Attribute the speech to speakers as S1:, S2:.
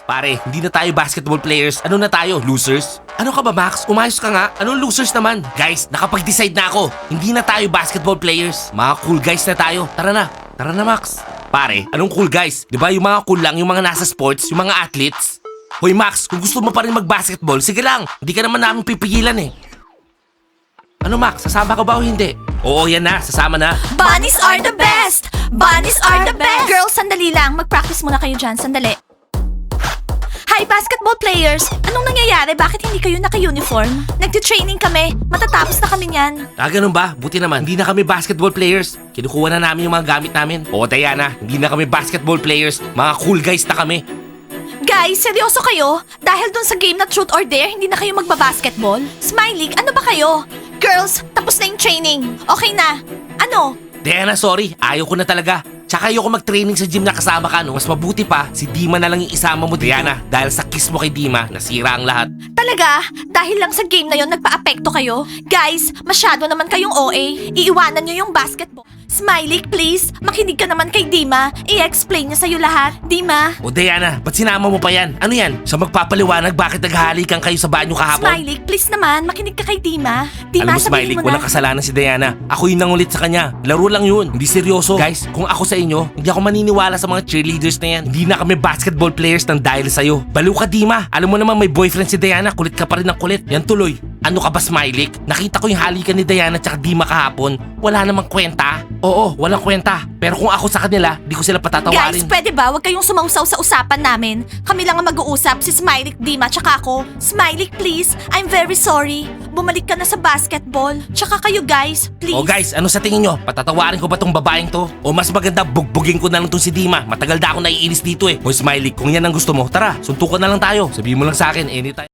S1: Pare, hindi na tayo basketball players. Ano na tayo, losers? Ano ka ba, Max? Umayos ka nga. Anong losers naman? Guys, nakapag-decide na ako. Hindi na tayo basketball players. Mga cool guys na tayo. Tara na. Tara na, Max. Pare, anong cool guys? Di ba yung mga cool lang, yung mga nasa sports, yung mga athletes? Hoy, Max, kung gusto mo pa rin mag-basketball, sige lang. Hindi ka naman namin pipigilan eh. Ano, Max? Sasama ka ba o hindi? Oo, yan na. Sasama na.
S2: Bunnies are the best! Bunnies are the best! Girls, sandali lang. Mag-practice muna kayo dyan. Sandali. Hi, basketball players! Anong nangyayari? Bakit hindi kayo naka-uniform? Nagti-training kami. Matatapos na kami niyan.
S1: Ganun ba? Buti naman. Hindi na kami basketball players. Kinukuha na namin yung mga gamit namin. Oo, Diana. Hindi na kami basketball players. Mga cool guys na kami.
S2: Guys, seryoso kayo? Dahil dun sa game na Truth or Dare, hindi na kayo magbabasketball? Smiley, ano ba kayo? Girls, tapos na yung training. Okay na. Ano?
S1: Diana, sorry. Ayaw ko na talaga. Tsaka ayoko mag-training sa gym na kasama ka, no? Mas mabuti pa, si Dima na lang yung isama mo, Diana. Dahil sa kiss mo kay Dima, nasira ang lahat.
S2: Talaga? Dahil lang sa game na yon nagpa-apekto kayo? Guys, masyado naman kayong OA. Iiwanan nyo yung basketball. Smiley, please, makinig ka naman kay Dima. I-explain niya sa'yo lahat. Dima?
S1: O Diana, ba't sinama mo pa yan? Ano yan? Siya magpapaliwanag bakit naghahalikan kayo sa banyo kahapon?
S2: Smiley, please naman, makinig ka kay Dima. Dima,
S1: Alam mo, Smiley,
S2: sabihin mo
S1: walang
S2: na.
S1: kasalanan si Diana. Ako yung nangulit sa kanya. Laro lang yun. Hindi seryoso. Guys, kung ako sa inyo, hindi ako maniniwala sa mga cheerleaders na yan. Hindi na kami basketball players ng dahil sa'yo. Baliw ka, Dima. Alam mo naman may boyfriend si Diana. Kulit ka pa rin ng kulit. Yan tuloy. Ano ka ba, Smiley? Nakita ko yung halikan ni Diana tsaka Dima kahapon. Wala namang kwenta. Oo, walang kwenta. Pero kung ako sa kanila, di ko sila patatawarin.
S2: Guys, pwede ba? Huwag kayong sumausaw sa usapan namin. Kami lang ang mag-uusap, si Smiley, Dima, tsaka ako. Smiley, please. I'm very sorry. Bumalik ka na sa basketball. Tsaka kayo, guys. Please.
S1: O guys, ano sa tingin nyo? Patatawarin ko ba tong babaeng to? O mas maganda bugbugin ko na lang tong si Dima. Matagal na ako naiinis dito eh. O Smiley, kung yan ang gusto mo, tara, suntukan na lang tayo. Sabihin mo lang sa akin anytime.